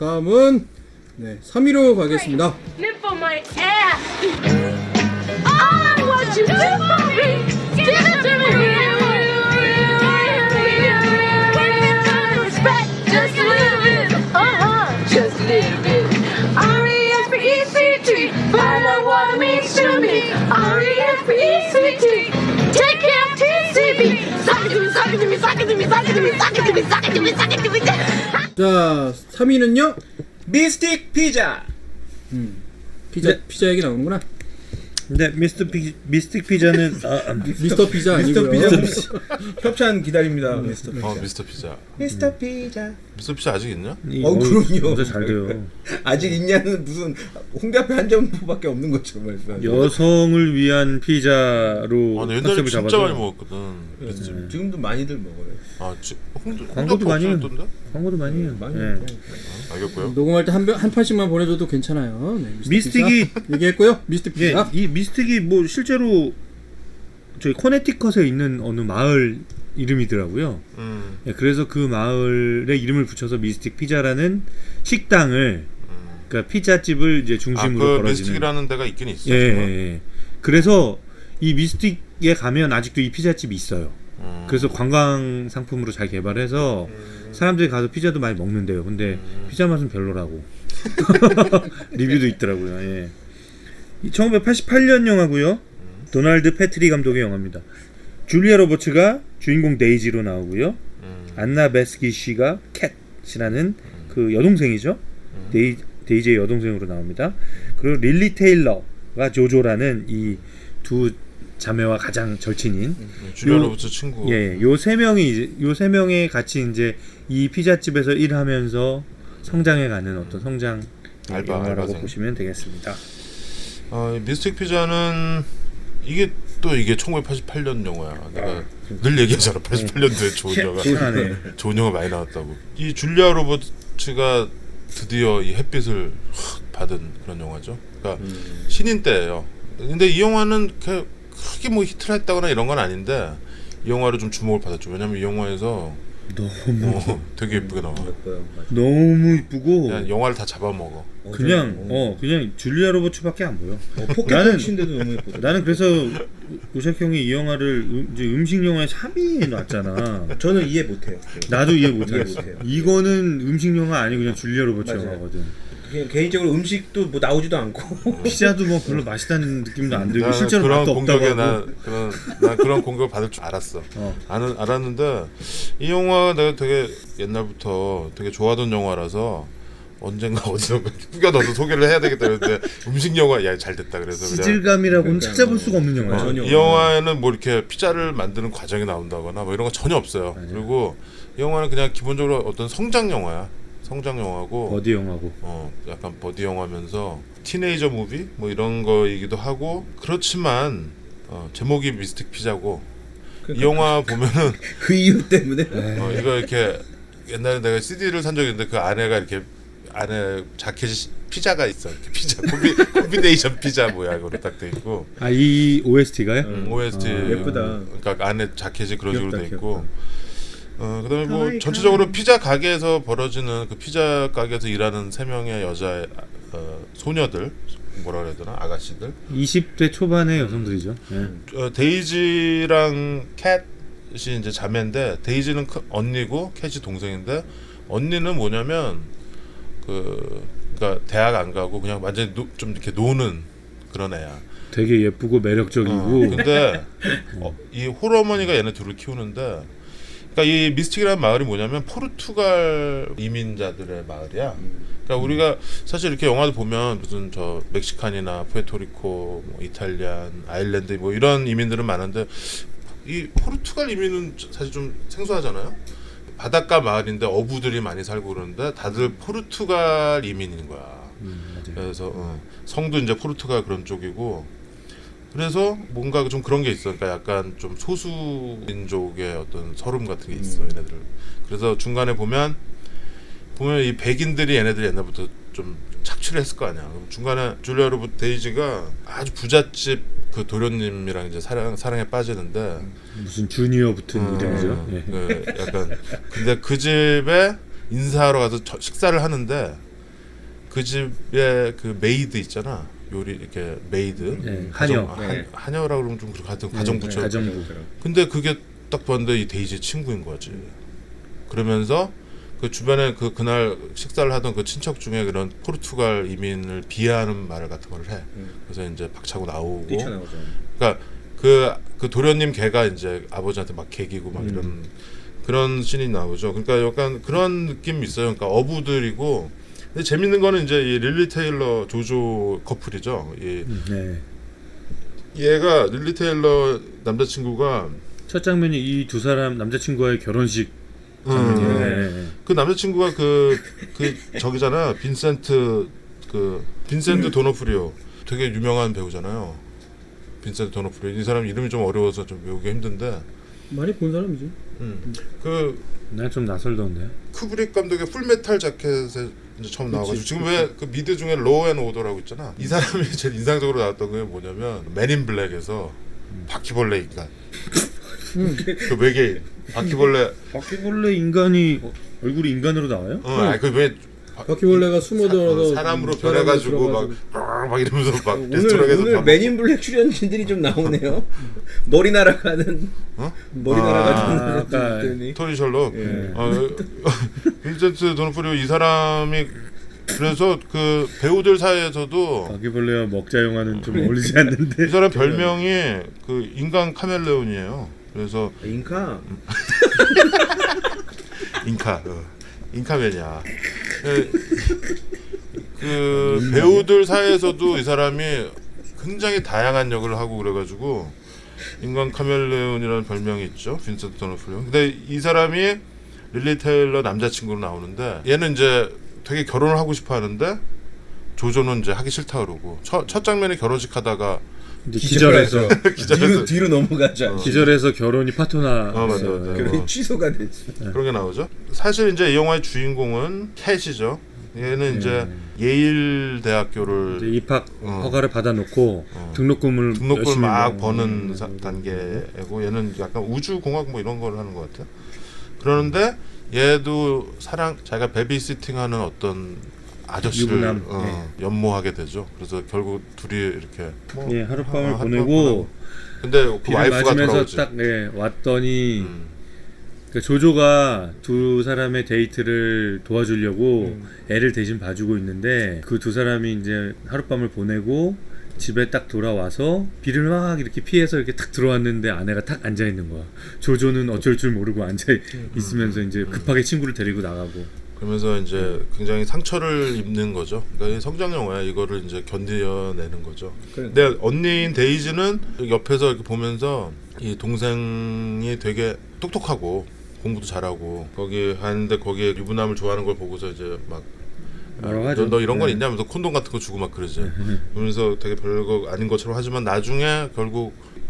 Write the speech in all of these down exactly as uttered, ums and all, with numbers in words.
다음은 네, 삼 위로 가겠습니다. Live for my ass. I want you to for me. Give it to me. Respect, just live it. Uh-huh, just live it. R E S P E C T. Find out what it means to me. R E S P E C T. Take care of T C B. Suck it to me, suck it to me, suck it to me, suck it to me, suck it to me, suck it to me, suck it to me. 자, 삼 위는요? 미스틱 피자. 음, 피자 네. 피자 얘기 나오는구나. 근데 미스터 피 미스틱 피자는 아, 아, 미스터 피자 미스터 아니고요. 피자 협찬 기다립니다. 미스터 피자. 어 미스터 피자. 미스터 피자. 미스터 피자 아직 있냐? 이- 어, 그럼요. 요새 잘 돼요. 아직 있냐는 무슨 홍대 앞에 한 점밖에 없는 것처럼 말씀. 여성을 위한 피자로 아, 나 옛날에 컨셉을 진짜 잡아서 많이 먹었거든. 음. 지금도 많이들 먹어요. 아, 지, 홍대, 광고도 많이 해요. 없었던데? 광고도 많이 해요. 많이 예. 먹어요. 알겠고요. 녹음할 때 한 한 판씩만 보내줘도 괜찮아요. 네, 미스틱이- 피자. 얘기했고요. 미스틱 예, 피자. 이 미스틱이 뭐 실제로 저희 커네티컷에 있는 어느 마을 이름이더라고요. 음, 예, 그래서 그 마을에 이름을 붙여서 미스틱 피자라는 식당을, 음. 그러니까 피자집을 이제 아, 중심으로 그 벌어지는. 미스틱이라는 데가 있긴 있어. 예, 예, 정말. 예. 그래서 이 미스틱에 가면 아직도 이 피자집이 있어요. 음. 그래서 관광 상품으로 잘 개발해서 사람들이 가서 피자도 많이 먹는데요. 근데 음. 피자 맛은 별로라고 리뷰도 있더라고요. 예. 이 천구백팔십팔 년 영화고요. 도널드 패트리 감독의 영화입니다. 줄리아 로버츠가 주인공 데이지로 나오고요. 음. 안나 베스키 씨가 캣이라는 그 여동생이죠. 데이, 데이지의 여동생으로 나옵니다. 그리고 릴리 테일러가 조조라는 이 두 자매와 가장 절친인 줄리아 요- 로버츠 친구. 예, 요 세 명이 이제 요 세 명이 같이 이제 이 피자집에서 일하면서 성장해가는 어떤 성장 알바, 영화라고 알바생. 보시면 되겠습니다. 어, 미스틱 피자는 이게 또 이게 천구백팔십팔 년 영화야. 내가 늘 얘기하잖아. 팔십팔 년도에 좋은 영화. 희한하네. 좋은 영화 많이 나왔다고. 이 줄리아 로버츠가 드디어 이 햇빛을 확 받은 그런 영화죠. 그러니까 신인 때예요. 근데 이 영화는 그 크게 뭐 히트를 했다거나 이런 건 아닌데 이 영화로 좀 주목을 받았죠. 왜냐면 이 영화에서 너무 어, 되게 예쁘게 나와. 예뻐요. 맞아. 너무 이쁘고 그냥 영화를 다 잡아먹어. 그냥 어, 어 그냥 줄리아 로버츠밖에 안 보여. 어, 포켓몬 친데도 너무 예뻐. 나는 그래서 우샥 형이 이 영화를 음, 이제 음식 영화의 삼 위에 놨잖아. 저는 이해 못해요. 나도 이해 못해. 이해 못해요. 이거는 음식 영화 아니고 그냥 줄리아 로버츠 맞아요. 영화거든. 그냥 개인적으로 음식도 뭐 나오지도 않고 피자도 뭐 별로 맛있다는 느낌도 안 들고 나는 실제로 그런 맛도 없다고 공격에 하고. 나 그런 난 그런 공격을 받을 줄 알았어. 어. 아는 알았는데 이 영화 내가 되게 옛날부터 되게 좋아하던 영화라서 언젠가 어디선가 꾸겨 넣어서 소개를 해야 되겠다 그랬는데 음식 영화 야 잘 됐다 그래서 그냥 시질감이라고는 그러니까 찾아볼 수가 없는 어, 영화죠. 전혀 이 영화에는 뭐 이렇게 피자를 만드는 과정이 나온다거나 뭐 이런 거 전혀 없어요. 맞아요. 그리고 이 영화는 그냥 기본적으로 어떤 성장 영화야. 성장 영화고 버디 영화고. 어 약간 버디 영화면서 티네이저 무비 뭐 이런 거이기도 하고 그렇지만 어, 제목이 미스틱 피자고 이 영화 보면은 그 이유 때문에 어, 이거 이렇게 옛날에 내가 씨디를 산 적이 있는데 그 안에가 이렇게 안에 자켓이 피자가 있어. 이렇게 피자 콤비, 콤비네이션 피자 모양으로 딱 돼 있고 아 이 오에스티가요? 음, 오에스티 아, 예쁘다. 그러니까 안에 자켓이 그런 식으로 귀엽다, 돼 있고 어 그다음에 뭐 가와이, 전체적으로 피자 가게에서 벌어지는 그 피자 가게에서 일하는 세 명의 여자 어, 소녀들 뭐라 그래야 되나 아가씨들 이십 대 초반의 여성들이죠. 예. 어, 데이지랑 캣이 이제 자매인데 데이지는 큰 언니고 캣이 동생인데 언니는 뭐냐면 그 그러니까 대학 안 가고 그냥 완전히 노, 좀 이렇게 노는 그런 애야. 되게 예쁘고 매력적이고. 어, 근데 어, 이 홀어머니가 얘네 둘을 키우는데 그러니까 이 미스틱이라는 마을이 뭐냐면 포르투갈 이민자들의 마을이야. 그러니까 우리가 사실 이렇게 영화도 보면 무슨 저 멕시칸이나 푸에토리코, 뭐 이탈리안, 아일랜드 뭐 이런 이민들은 많은데 이 포르투갈 이민은 사실 좀 생소하잖아요. 바닷가 마을인데 어부들이 많이 살고 그러는데 다들 포르투갈 이민인 거야. 음, 맞아요. 그래서 어, 성도 이제 포르투갈 그런 쪽이고 그래서 뭔가 좀 그런 게 있어. 그러니까 약간 좀 소수 민족의 어떤 서름 같은 게 있어. 음. 얘네들. 그래서 중간에 보면 보면 이 백인들이 얘네들 옛날부터 좀 착취를 했을 거 아니야. 그럼 중간에 줄리아 로버트 데이지가 아주 부잣집 그 도련님이랑 이제 사랑 사랑에 빠지는데 무슨 주니어 붙은 음, 이름이죠. 예. 그 약간 근데 그 집에 인사하러 가서 저, 식사를 하는데 그 집에 그 메이드 있잖아. 요리 이렇게 메이드. 네, 가정, 하녀. 아, 네. 한, 하녀라고 그러면 좀 그렇고 하여튼 가정부처. 가정부. 근데 그게 딱 봤는데 이 데이지의 친구인 거지. 그러면서 그 주변에 그 그날 식사를 하던 그 친척 중에 그런 포르투갈 이민을 비하하는 말 같은 걸 해. 음. 그래서 이제 박차고 나오고. 뛰쳐나오죠. 그러니까 그, 그 도련님 걔가 이제 아버지한테 막 개기고 막 음. 이런 그런 씬이 나오죠. 그러니까 약간 그런 느낌이 있어요. 그러니까 어부들이고. 근데 재밌는 거는 이제 이 릴리 테일러 조조 커플이죠. 이 네. 얘가 릴리 테일러 남자친구가 첫 장면이 이 두 사람 남자친구와의 결혼식 음, 장면이에요. 네. 그 남자친구가 그, 그 저기잖아. 빈센트 그 빈센트 도너프리오 되게 유명한 배우잖아요. 빈센트 도너프리오 이 사람 이름이 좀 어려워서 좀 외우기 힘든데 많이 본 사람이지. 음, 그 난 좀 낯설던데. 쿠브릭 감독의 풀메탈 자켓에 이제 처음 나와가지고 지금 왜 그 미드 중에 로우 앤 오더라고 있잖아. 이 사람이 제일 인상적으로 나왔던 게 뭐냐면 맨인 블랙에서 바퀴벌레 인간 그 외계인 바퀴벌레 바퀴벌레 인간이 어, 얼굴이 인간으로 나와요? 어, 아니 그왜 바퀴벌레가 숨어들어서 사람으로 사람으로 변해가지고 막, 들어가지고. 막 이러면서 막 오늘 레스토랑에서 오늘 밥 맨인 블랙 출연진들이 좀 나오네요. 머리 날아가는 어? 머리 아, 날아가는 아까 애들이. 토니 셜록 예. 어, 빈센트 도너프리오 이 사람이 그래서 그 배우들 사이에서도 바퀴벌레와 먹자 영화는 좀 어울리지 않는데. 이 사람 별명이 그 인간 카멜레온이에요. 그래서 인카. 인카 어. 인카맨이야. 그, 그 배우들 사이에서도 이 사람이 굉장히 다양한 역을 하고 그래가지고 인간 카멜레온이라는 별명이 있죠. 빈센트 도너프리오. 근데 이 사람이 릴리 테일러 남자친구로 나오는데 얘는 이제 되게 결혼을 하고 싶어 하는데 조조는 이제 하기 싫다 그러고 첫, 첫 장면에 결혼식 하다가 이제 기절해서 뒤로 뒤로 넘어가죠. 기절해서 결혼이 파토나. 어, 맞아, 맞아. 결혼이 어. 취소가 됐어. 그런 게 나오죠. 사실 이제 이 영화의 주인공은 캣이죠. 얘는 이제 예일 대학교를 이제 입학 어. 허가를 받아놓고 어. 등록금을 등록금을 열심히 막 뭐- 버는 사- 단계고 얘는 약간 우주공학 뭐 이런 걸 하는 것 같아요. 그러는데 얘도 사랑 자기가 베비시팅하는 어떤 아저씨를 유부남, 어, 연모하게 되죠. 그래서 결국 둘이 이렇게 뭐 예, 하룻밤을 어, 보내고 근데 그 비를 와이프가 맞으면서 돌아오지. 딱 예, 왔더니 음. 그 조조가 두 사람의 데이트를 도와주려고 애를 대신 봐주고 있는데 그 두 사람이 이제 하룻밤을 보내고 집에 딱 돌아와서 비를 막 이렇게 피해서 이렇게 탁 들어왔는데 아내가 탁 앉아 있는 거야. 조조는 어쩔 줄 모르고 앉아 있으면서 이제 급하게 친구를 데리고 나가고. 그러면서 이제 굉장히 상처를 입는 거죠. 그러니까 이 성장 영화야. 이거를 이제 견뎌내는 거죠. 근데 언니인 데이지는 옆에서 이렇게 보면서 이 동생이 되게 똑똑하고 공부도 잘하고 거기 하는데 거기에 유부남을 좋아하는 걸 보고서 이제 막 뭐라고 아, 하죠? 너, 너 이런 건 네. 있냐면서 콘돔 같은 거 주고 막 그러지. 그러면서 되게 별거 아닌 것처럼 하지만 나중에 결국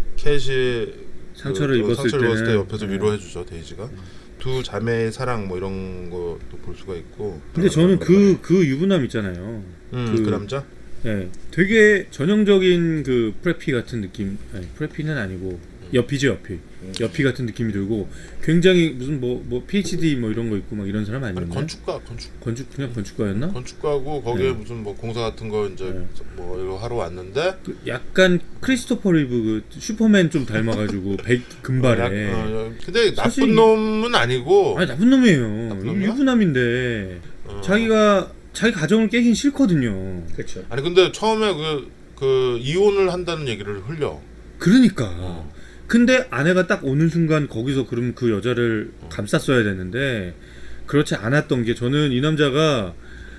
캣이 상처를 그, 입었을 상처를 입었을 때 때는 옆에서 네. 위로해주죠. 데이지가. 두 자매의 사랑 뭐 이런 것도 볼 수가 있고. 근데 저는 그 그 유부남 있잖아요. 음, 그- 그 남자? 예, 되게 전형적인 그 프레피 같은 느낌. 아니, 프레피는 아니고 여피죠, 여피. 여피 같은 느낌이 들고 굉장히 무슨 뭐 뭐 피에이치디 뭐 이런 거 있고 막 이런 사람 아니 아니었나요? 건축가 건축 건축 그냥 건축가였나? 건축가고 거기에 네. 무슨 뭐 공사 같은 거 이제 네. 뭐 이거 하러 왔는데 그 약간 크리스토퍼 리브 그 슈퍼맨 좀 닮아가지고 백 금발에. 어, 약- 어, 근데 사실 나쁜 이- 놈은 아니고 아니 나쁜 놈이에요. 나쁜 놈이야? 유부남인데 어. 자기가 자기 가정을 깨긴 싫거든요. 그렇죠. 아니 근데 처음에 그, 그 이혼을 한다는 얘기를 흘려. 그러니까. 어. 근데 아내가 딱 오는 순간 거기서 그럼 그 여자를 감쌌어야 되는데 그렇지 않았던 게 저는 이 남자가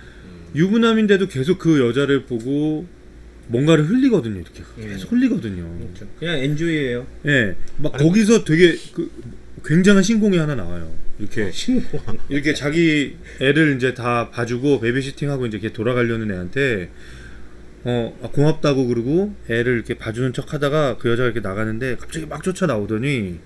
유부남인데도 계속 그 여자를 보고 뭔가를 흘리거든요. 이렇게 계속 흘리거든요. 그렇죠. 그냥 엔조이예요. 예, 막 아니, 거기서 되게 그 굉장한 신공이 하나 나와요. 이렇게 신고. 이렇게 자기 애를 이제 다 봐주고 베이비시팅하고 이제 이렇게 돌아가려는 애한테 어 아, 고맙다고 그러고 애를 이렇게 봐주는 척하다가 그 여자가 이렇게 나가는데 갑자기 막 쫓아 나오더니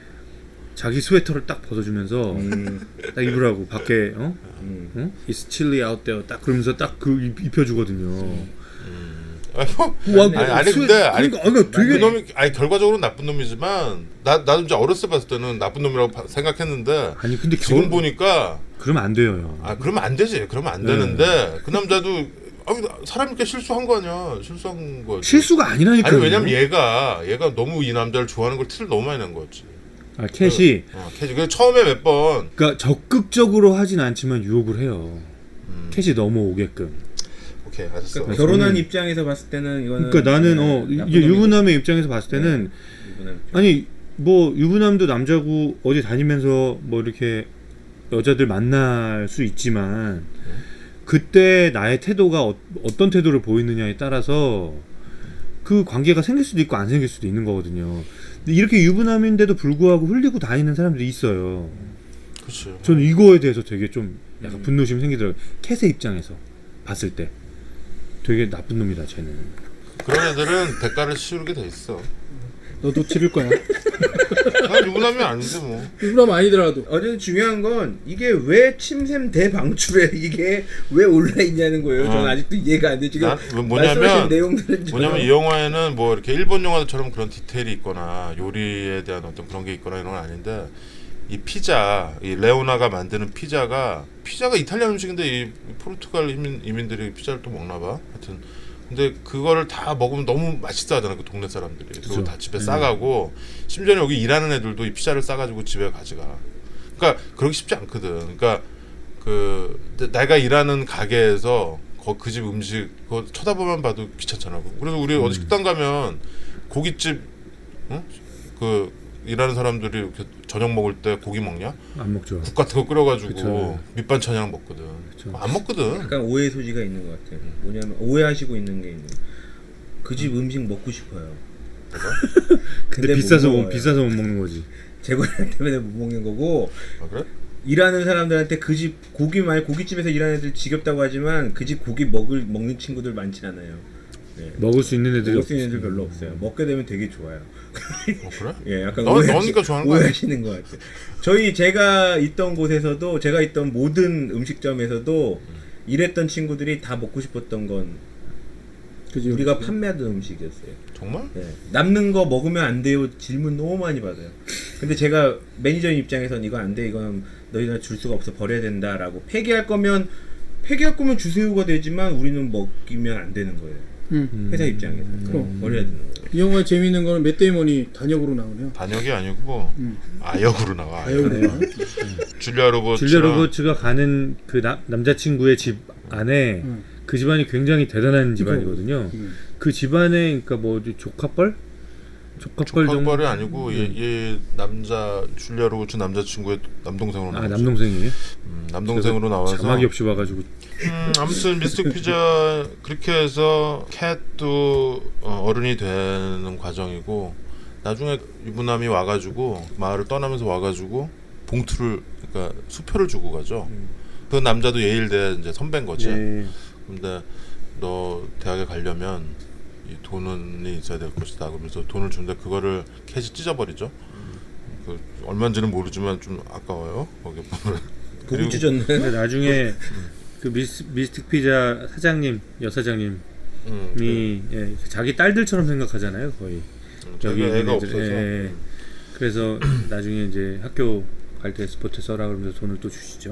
자기 스웨터를 딱 벗어주면서 음, 딱 입으라고 밖에 어? 음. 어? It's chilly out there 딱 그러면서 딱 그 입혀주거든요. 음. 아니, 뭐, 와, 아니, 아니 근데 아니 그러니까, 그러니까 그 되게 놈이 아니 결과적으로는 나쁜 놈이지만 나 나도 이제 어렸을 때 봤을 때는 나쁜 놈이라고 바- 생각했는데 아니 근데 지금 결- 보니까 그러면 안 돼요. 형. 아 그러면 안 되지. 그러면 안 네. 되는데 그 남자도 아, 사람이니까 실수한 거 아니야. 실수한 거지. 실수가 아니라니까요. 아니 왜냐면 얘가 얘가 너무 이 남자를 좋아하는 걸 티를 너무 많이 낸 거지. 아, 캣이 어, 캐지. 그 처음에 몇 번 그러니까 적극적으로 하진 않지만 유혹을 해요. 음, 캣이 넘어오게끔. 오케이 알았어. 그러니까 결혼한 저는- 입장에서 봤을 때는 이거는 그러니까 나는 네, 어 나쁜 이제 놈이고. 유부남의 입장에서 봤을 때는 유부남 입장. 아니 뭐 유부남도 남자고 어디 다니면서 뭐 이렇게 여자들 만날 수 있지만 그때 나의 태도가 어, 어떤 태도를 보이느냐에 따라서 그 관계가 생길 수도 있고 안 생길 수도 있는 거거든요. 근데 이렇게 유부남인데도 불구하고 흘리고 다니는 사람들이 있어요. 그렇지. 저는 이거에 대해서 되게 좀 약간 음. 분노심이 생기더라고요. 캣의 입장에서 봤을 때 되게 나쁜 놈이다 쟤는. 그런 애들은 대가를 치르게 돼 있어. 너도 치를 거야. 난 유부남이 아닌데 뭐. 유부남 아니더라도. 어쨌든 중요한 건 이게 왜 침샘 대방출에 이게 왜 올라 있냐는 거예요. 어. 저는 아직도 이해가 안 돼. 지금 난 말씀하신 뭐냐면 내용들은 전혀- 뭐냐면 이 영화에는 뭐 이렇게 일본 영화들처럼 그런 디테일이 있거나 요리에 대한 어떤 그런 게 있거나 이런 건 아닌데 이 피자, 이 레오나가 만드는 피자가 피자가 이탈리아 음식인데 이 포르투갈 이민, 이민들이 피자를 또 먹나 봐. 하여튼 근데 그거를 다 먹으면 너무 맛있어 하잖아 그 동네 사람들이. 그리고 그쵸. 다 집에 음. 싸가고 심지어 여기 일하는 애들도 이 피자를 싸가지고 집에 가져가. 그러니까 그러기 쉽지 않거든. 그러니까 그 내가 일하는 가게에서 그 집 음식 그거 쳐다보면 봐도 귀찮잖아. 그래서 우리 어디 식당 가면 고깃집, 응? 그 일하는 사람들이 이렇게 저녁 먹을 때 고기 먹냐? 안 먹죠. 국 같은 거 끓여가지고 그쵸. 밑반찬이랑 먹거든. 그쵸. 안 먹거든. 약간 오해 소지가 있는 것 같아요. 뭐냐면 오해하시고 있는 게 있는. 그 집 음식 먹고 싶어요. 근데, 근데 못 비싸서 못, 먹어요. 비싸서 못 먹는 거지. 재고량 때문에 못 먹는 거고 아 그래? 일하는 사람들한테 그 집 고기 많이 고깃집에서 일하는 애들 지겹다고 하지만 그 집 고기 먹을 먹는 친구들 많진 않아요. 네. 먹을 수 있는 애들이 먹을 수 있는 없지. 애들 별로 없어요. 먹게 되면 되게 좋아요. 어 그래? 예, 약간 너- 오해하시, 너니까 좋아하는 거 아니야? 오해하시는 것 같아요. 저희 제가 있던 곳에서도 제가 있던 모든 음식점에서도 일했던 친구들이 다 먹고 싶었던 건 그지. 우리가 판매하던 음식이었어요. 정말? 네. 남는 거 먹으면 안 돼요 질문 너무 많이 받아요. 근데 제가 매니저인 입장에서는 이거 안 돼, 이건 너희들 줄 수가 없어, 버려야 된다라고. 폐기할 거면 폐기할 거면 주세요가 되지만 우리는 먹이면 안 되는 거예요. 응. 회사 입장에서 그럼. 버려야 되는 거예요. 이 영화의 재미있는 거는 맷 데이먼이 단역으로 나오네요. 단역이 아니고 뭐 음. 아역으로 나와. 아역으로 네. 나와. 줄리아 로버츠. 줄리아 로버츠가 가는 그 나, 남자친구의 집 안에 음. 그 집안이 굉장히 대단한 집안이거든요. 음. 그 집안에 그러니까 뭐 조카뻘? 조카뻘 정도. 조카뻘이 아니고 얘, 얘 남자 줄리아 로버츠 남자친구의 남동생으로 아 나왔어. 남동생이에요? 음, 남동생으로 나와서. 자막이 없이 와가지고 음, 아무튼 미스틱 피자 그렇게 해서 캣도 어, 어른이 되는 과정이고 나중에 유부남이 와가지고 마을을 떠나면서 와가지고 봉투를 그러니까 수표를 주고 가죠. 음. 그 남자도 예일대 이제 선배인 거지. 예. 근데 너 대학에 가려면 이 돈이 있어야 될 것이다. 그러면서 돈을 주는데 그거를 캣이 찢어버리죠. 그 얼마인지는 모르지만 좀 아까워요. 거기 보면. 그리고- 고기 찢었네. 근데 나중에 그 미스, 미스틱 피자 사장님 여사장님이 음, 그, 예, 자기 딸들처럼 생각하잖아요 거의. 음, 자기 있는 애가 애들, 없어서. 예. 그래서 나중에 이제 학교 갈 때 스포츠 써라 그러면서 돈을 또 주시죠.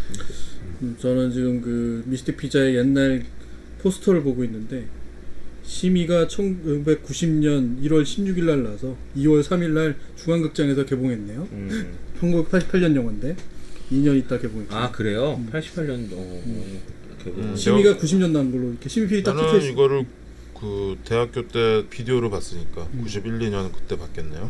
음, 저는 지금 그 미스틱 피자의 옛날 포스터를 보고 있는데 심의가 천구백구십 년 일월 십육일 날 나서 이월 삼일 날 중앙극장에서 개봉했네요. 음. 천구백팔십팔 년 영화인데 이 년 있다 개봉했죠. 아 그래요? 팔십팔 년도. 음, 심의가 구십 년 난 걸로 이렇게 심의필이 딱 나는 찍혀있어. 이거를 그 대학교 때 비디오로 봤으니까 음. 구십일, 이 년 그때 봤겠네요.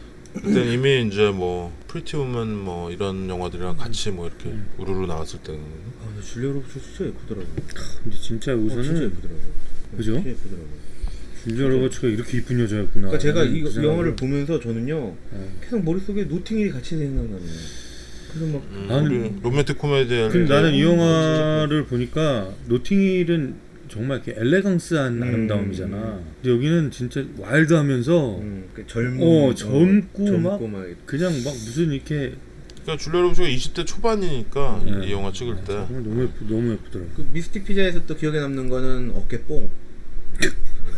그때 이미 이제 뭐 프리티 우먼 뭐 이런 영화들이랑 같이 뭐 이렇게 음. 우르르 나왔을 때는 아, 근데 줄리아 로버츠 진짜 예쁘더라고. 근데 진짜 어, 진짜 우선은 예쁘더라고. 그죠? 진짜 예쁘더라고. 줄리아 로버츠가 이렇게 이쁜 여자였구나. 그러니까 제가 이 그 생각을- 영화를 보면서 저는요 네. 계속 머릿속에 노팅힐이 같이 생각나네요. 그래서 막 음, 나는- 우리 로맨틱 코미디를 근데 나는 이 음, 영화를 보니까 노팅힐은 정말 이렇게 엘레강스한 음. 아름다움이잖아. 근데 여기는 진짜 와일드하면서 음, 그 젊은 어, 젊고 젊고 막- 막 그냥 막 무슨 이렇게 그러니까 줄리아 로버츠가 이십 대 초반이니까 네. 이 영화 찍을 때 정말 너무 예쁘, 너무 예쁘더라고. 그 미스틱 피자에서 또 기억에 남는 거는 어깨뽕.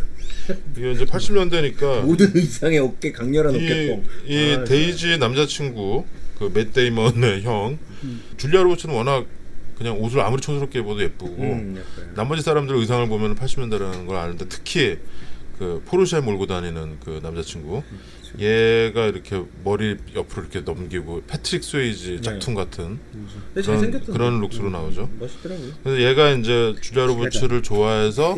이게 이제 팔십 년대니까 모든 의상의 어깨 강렬한 이, 어깨뽕. 이 아, 데이지의 남자친구 그 맷 데이먼의 형 줄리아 로버츠는 워낙 그냥 옷을 아무리 촌스럽게 입어도 예쁘고 음, 약간. 나머지 사람들 의상을 보면 팔십 년대라는 걸 아는데 특히 그 포르쉐 몰고 다니는 그 남자친구 얘가 이렇게 머리 옆으로 이렇게 넘기고 패트릭 스웨이지 짝퉁 같은 근데 그런, 잘생겼던 그런 룩스로 나오죠. 멋있더라고요. 그래서 얘가 이제 줄리아 로버츠를 좋아해서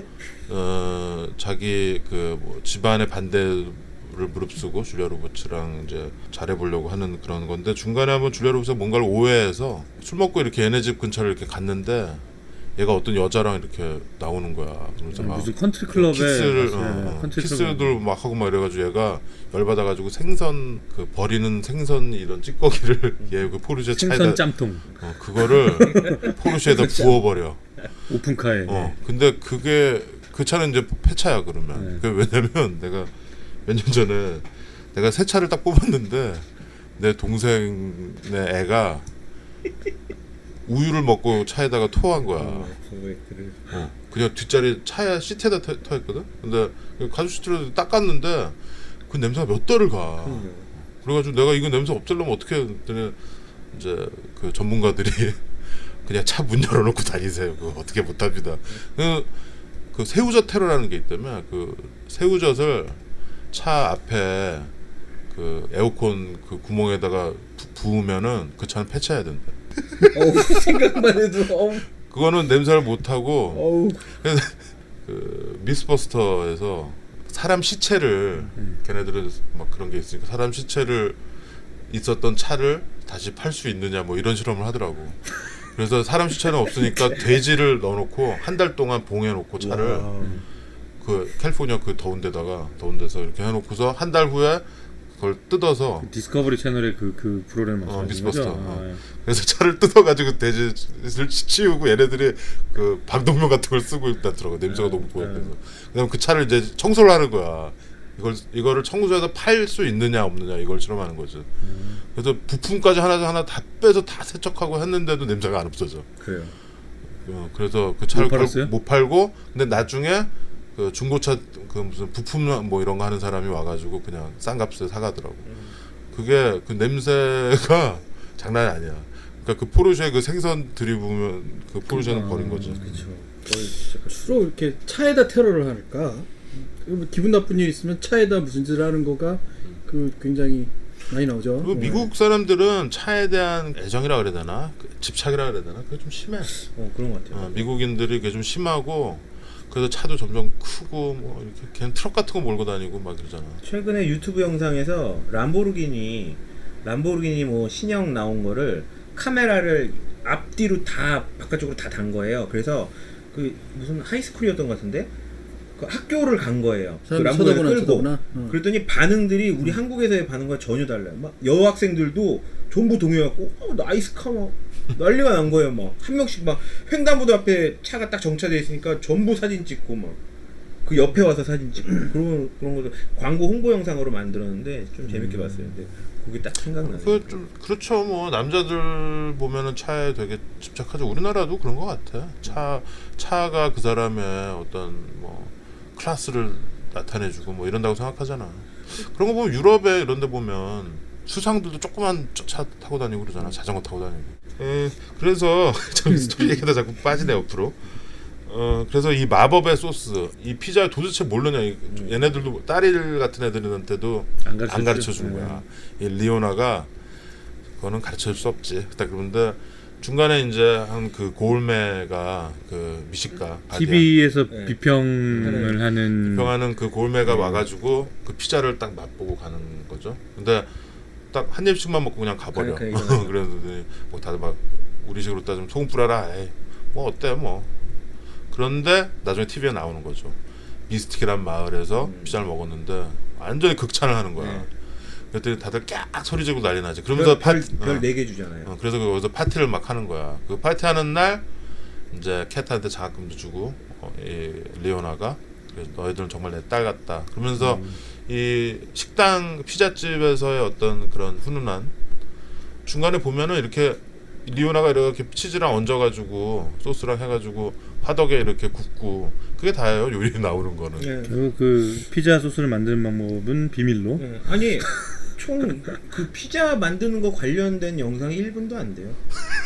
어 자기 그 뭐 집안의 반대를 무릅쓰고 줄리아 로버츠랑 이제 잘해보려고 하는 그런 건데 중간에 한번 줄리아 로버츠가 뭔가를 오해해서 술 먹고 이렇게 얘네 집 근처를 이렇게 갔는데 얘가 어떤 여자랑 이렇게 나오는 거야. 그래서 막 무슨 컨트리 클럽에 키스를 네, 어, 컨트리 키스들 클럽. 막 하고 막 이래가지고 얘가 열받아가지고 생선 그 버리는 생선 이런 찌꺼기를 얘 그 포르쉐 차에다 생선 짬통 어, 그거를 포르쉐에다 부어버려. 오픈카에. 어 근데 그게 그 차는 이제 폐차야 그러면. 네. 그 왜냐면 내가 몇 년 전에 내가 새 차를 딱 뽑았는데 내 동생의 애가 우유를 먹고 차에다가 토한 거야. 어, 그냥 뒷자리 차에 시트에다 터, 터했거든. 근데 가죽 시트로 닦았는데 그 냄새가 몇 달을 가. 그래가지고 내가 이거 냄새 없애려면 어떻게 해? 그랬더니 이제 그 전문가들이 그냥 차 문 열어놓고 다니세요. 그거 어떻게 못합니다. 그, 그 새우젓 테러라는 게 있다면 그 새우젓을 차 앞에 그 에어컨 그 구멍에다가 부, 부으면은 그 차는 폐차해야 된다. 어우, 생각만 해도 어우. 그거는 냄새를 못 하고 어우. 그 미스버스터에서 사람 시체를 걔네들은 막 그런 게 있으니까 사람 시체를 있었던 차를 다시 팔 수 있느냐 뭐 이런 실험을 하더라고. 그래서 사람 시체는 없으니까 돼지를 넣어놓고 한 달 동안 봉해놓고 차를 와. 그 캘리포니아 그 더운 데다가 더운 데서 이렇게 해놓고서 한 달 후에 그걸 뜯어서 디스커버리 채널의 그, 그 프로그램 어, 말씀하시는 미스버스터. 거죠? 어. 아, 예. 그래서 차를 뜯어가지고 돼지를 치우고 얘네들이 그 방독면 같은 걸 쓰고 있다더라고. 냄새가 너무 고약해서. 그다음 그 차를 이제 청소를 하는 거야. 이걸 이거를 청소해서 팔 수 있느냐 없느냐 이걸 실험하는 거지. 그래서 부품까지 하나 하나 다 빼서 다 세척하고 했는데도 냄새가 안 없어져. 그래요. 어, 그래서 그 차를 못 팔았어요? 못 팔고 근데 나중에 그 중고차 그 무슨 부품 뭐 이런 거 하는 사람이 와가지고 그냥 싼 값에 사가더라고. 그게 그 냄새가 장난이 아니야. 그러니까 그 포르쉐 그 생선 들이부으면 그 포르쉐는 버린 거지. 그렇죠. 거의 진짜 주로 이렇게 차에다 테러를 할까? 뭐 기분 나쁜 일 있으면 차에다 무슨 짓을 하는 거가 그 굉장히 많이 나오죠. 그리고 미국 사람들은 차에 대한 애정이라 그래야 되나 그 집착이라 그래야 되나 그게 좀 심해. 어, 그런 것 같아요. 어, 미국인들이 그게 좀 심하고 그래서 차도 점점 크고 뭐 이렇게 걔는 트럭 같은 거 몰고 다니고 막 그러잖아. 최근에 유튜브 영상에서 람보르기니 람보르기니 뭐 신형 나온 거를 카메라를 앞뒤로 다 바깥쪽으로 다 단 거예요. 그래서 그 무슨 하이스쿨이었던 것 같은데 그 학교를 간 거예요. 그 사람 람보르기니 쳐다보나 끌고. 쳐다보나. 어. 그랬더니 반응들이 우리 한국에서의 반응과 전혀 달라요. 막 여학생들도 전부 동요해갖고 어, 나이스카 막 난리가 난 거예요. 막 한 명씩 막 횡단보도 앞에 차가 딱 정차돼 있으니까 전부 사진 찍고 막 그 옆에 와서 사진 찍고 그런 그런 것도 광고 홍보 영상으로 만들었는데 좀 재밌게 봤어요. 근데 그게 딱 생각나네요. 그 좀 그렇죠. 뭐 남자들 보면은 차에 되게 집착하죠. 우리나라도 그런 것 같아. 차 차가 그 사람의 어떤 뭐 클래스를 나타내주고 뭐 이런다고 생각하잖아. 그런 거 보면 유럽에 이런데 보면 수상들도 조그만 차 타고 다니고 그러잖아. 자전거 타고 다니고. 에, 그래서 좀 스토리 얘기다 자꾸 빠지네 옆으로. 어 그래서 이 마법의 소스, 이 피자 도대체 모르냐? 이- 얘네들도 딸일 같은 애들한테도 안 가르쳐, 안 가르쳐 주는 거야. 이 리오나가 그거는 가르쳐 줄 수 없지. 딱 그런데 중간에 이제 한 그 고울메가 그 미식가 티비에서 네. 비평을 하는 평하는 그 고울메가 와가지고 그 피자를 딱 맛보고 가는 거죠. 근데 딱 한 입씩만 먹고 그냥 가버려. 그러니까 이거는- 그랬더니 뭐 다들 막 우리식으로 따지면 소금 뿌려라. 에이, 뭐 어때 뭐. 그런데 나중에 티비에 나오는 거죠. 미스틱이란 마을에서 음. 피자를 먹었는데 완전히 극찬을 하는 거야. 네. 그랬더니 다들 깍 소리 지르고 난리 나지. 그러면서 파, 어, 별네 개 주잖아요. 어, 그래서 거기서 파티를 막 하는 거야. 그 파티하는 날 이제 캣한테 장학금도 주고 어, 이 리오나가 그래서 너희들은 정말 내 딸 같다. 그러면서 음. 이 식당 피자집에서의 어떤 그런 훈훈한 중간에 보면은 이렇게 리오나가 이렇게 치즈랑 얹어가지고 소스랑 해가지고 화덕에 이렇게 굽고 그게 다예요. 요리 나오는 거는. 예. 결국 그 피자 소스를 만드는 방법은 비밀로. 예. 아니 총 그 피자 만드는 거 관련된 영상이 일 분도 안 돼요.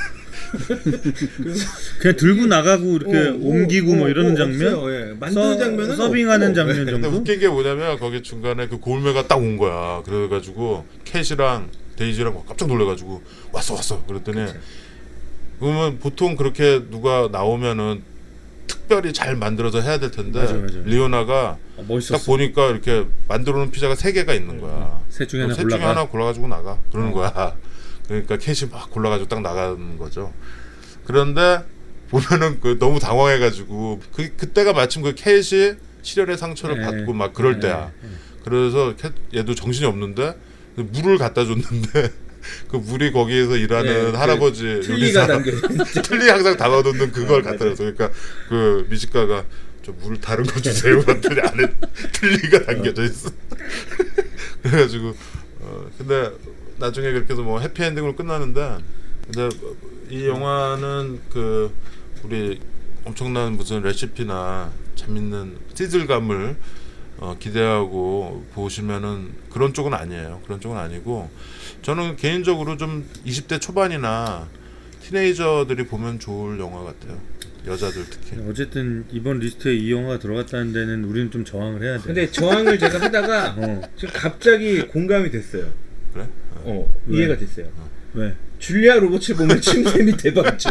그래서 그냥 들고 나가고 이렇게 어, 뭐, 옮기고 뭐 어, 이러는 어, 장면, 없어요. 예. 만드는 서, 장면은 서빙하는 없고. 장면 근데 정도. 웃긴 게 뭐냐면 거기 중간에 그 고울메가 딱 온 거야. 그래가지고 캣이랑 데이지랑 깜짝 놀래가지고 왔어 왔어. 그랬더니 그치. 그러면 보통 그렇게 누가 나오면은 특별히 잘 만들어서 해야 될 텐데 맞아, 맞아. 리오나가 어, 멋있었어. 딱 보니까 이렇게 만들어놓은 피자가 세 개가 있는 거야. 셋 중에 하나 셋 중에 골라가. 하나 골라가지고 나가 그러는 어. 거야. 그러니까 캣이 막 골라가지고 딱 나가는 거죠. 그런데 보면은 그 너무 당황해가지고 그 그때가 마침 그 캣이 실혈의 상처를 네. 받고 막 그럴 네. 때야. 그래서 캣 얘도 정신이 없는데 물을 갖다 줬는데 그 물이 거기에서 일하는 네, 그 할아버지 틀니가 요리사 담겨. 틀니 항상 담아놓는 그걸 어, 갖다 맞아요. 줬어. 그러니까 그 미식가가 저 물 다른 거 주세요. 그랬더니 안에 틀니가 담겨져 있어. 그래가지고 어 근데 나중에 그렇게 해서 뭐 해피엔딩으로 끝나는데 근데 이 영화는 그 우리 엄청난 무슨 레시피나 재밌는 시즐감을 어, 기대하고 보시면은 그런 쪽은 아니에요. 그런 쪽은 아니고 저는 개인적으로 좀 이십 대 초반이나 티네이저들이 보면 좋을 영화 같아요. 여자들 특히. 어쨌든 이번 리스트에 이 영화가 들어갔다는 데는 우리는 좀 저항을 해야 돼. 근데 저항을 제가 하다가 어. 지금 갑자기 공감이 됐어요. 그래? 어, 왜? 이해가 됐어요. 왜? 줄리아 로버츠 보면 침샘이 대박이죠.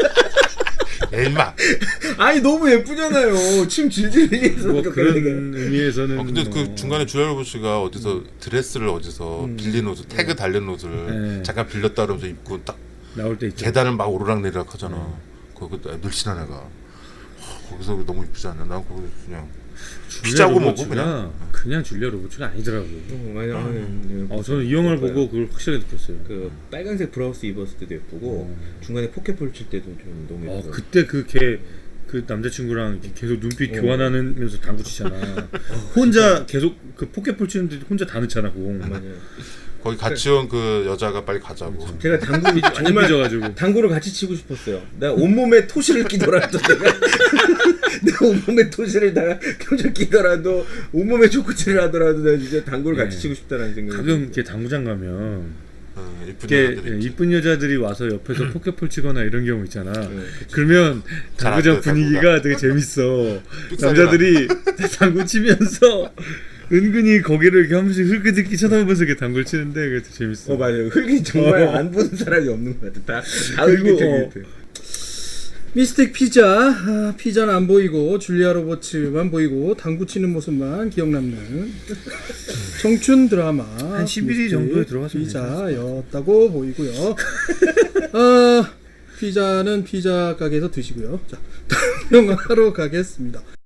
에이 마. 아니 너무 예쁘잖아요. 침 질질 흘리면서 뭐 그러니까 그런 의미에서는. 어, 근데 뭐. 그 중간에 줄리아 로버츠가 어디서 드레스를 어디서 음. 빌린 옷을 태그 달린 옷을 네. 잠깐 빌렸다 그러면서 입고 딱 나올 때 있죠. 계단을 막 오르락내리락 하잖아. 거기 늘씬한 애가. 하, 거기서 너무 이쁘지 않냐? 난 거기 그냥 줄리아 피자고 먹고 로버츠가 그냥. 그냥 줄리아 로버츠가 아니더라고. 어, 맞아. 음. 어, 저는 이 영화를 예뻐요. 보고 그걸 확실하게 느꼈어요. 그 빨간색 브라우스 입었을 때도 예쁘고 중간에 포켓볼 칠 때도 좀 너무 어, 예쁘고. 그때 그 걔 그 남자친구랑 이렇게 계속 눈빛 어. 교환하면서 당구 치잖아. 혼자 계속 그 포켓볼 치는데 혼자 다 넣잖아 공. 맞아요. 거기 같이 온 그 여자가 빨리 가자고. 제가 당구 완전 정말 삐져가지고. 당구를 같이 치고 싶었어요. 내가 온몸에 토시를 끼더라도 내가 내가 온몸에 토시를 다 껴져 끼더라도 온몸에 초코치를 하더라도 내가 진짜 당구를 같이 네. 치고 싶다라는 생각이 가끔 들었어요. 이렇게 당구장 가면 어, 이쁜 이렇게 여자들 있지. 이쁜 여자들이 와서 옆에서 포켓볼 치거나 이런 경우 있잖아. 네, 그쵸. 그러면 잘안 당구장 돼, 분위기가 되게 재밌어. 삑사리가 남자들이 당구 치면서 은근히 거기를 이렇게 한 번씩 흘끗흘끗 쳐다보면서 이렇게 당구를 치는데 그게 되게 재밌어. 어 맞아요. 흙이 정말 어. 안 보는 사람이 없는 것 같아. 다, 다 그리고, 흙이 어. 되게 미스틱 피자. 아, 피자는 안 보이고 줄리아 로버츠만 보이고 당구 치는 모습만 기억 남는 청춘 드라마 한 십일 위 미스틱 정도에 들어갔으면 피자였다고 보이고요. 어, 피자는 피자 가게에서 드시고요. 자, 다음 영화로 가겠습니다.